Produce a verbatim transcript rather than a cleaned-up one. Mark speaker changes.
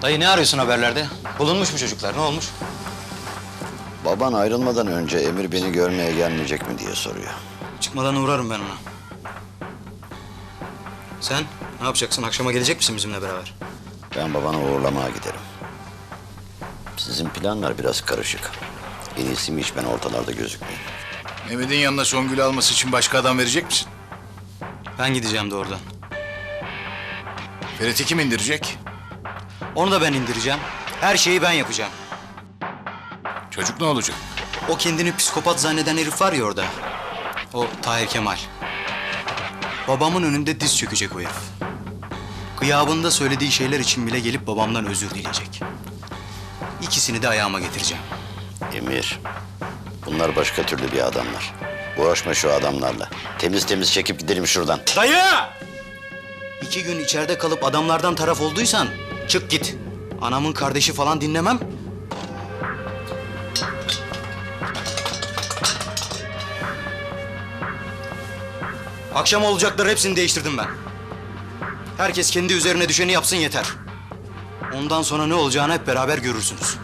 Speaker 1: Dayı ne arıyorsun haberlerde? Bulunmuş mu çocuklar? Ne olmuş?
Speaker 2: Baban ayrılmadan önce Emir beni görmeye gelmeyecek mi diye soruyor.
Speaker 1: Çıkmadan uğrarım ben ona. Sen ne yapacaksın? Akşama gelecek misin bizimle beraber?
Speaker 2: Ben babanı uğurlamaya giderim. Sizin planlar biraz karışık. En iyisi mi hiç ben ortalarda gözükmeyeyim.
Speaker 3: Mehmet'in yanına Songül'ü alması için başka adam verecek misin?
Speaker 1: Ben gideceğim de oradan.
Speaker 3: Ferit'i kim indirecek?
Speaker 1: Onu da ben indireceğim. Her şeyi ben yapacağım.
Speaker 3: Çocuk ne olacak?
Speaker 1: O kendini psikopat zanneden herif var ya orada. O Tahir Kemal. Babamın önünde diz çökecek o herif. Gıyabında söylediği şeyler için bile gelip babamdan özür dileyecek. İkisini de ayağıma getireceğim.
Speaker 2: Emir, bunlar başka türlü bir adamlar. Uğraşma şu adamlarla. Temiz temiz çekip gidelim şuradan.
Speaker 1: Dayı! İki gün içeride kalıp adamlardan taraf olduysan çık git. Anamın kardeşi falan dinlemem. Akşam olacakları hepsini değiştirdim ben. Herkes kendi üzerine düşeni yapsın yeter. Ondan sonra ne olacağını hep beraber görürsünüz.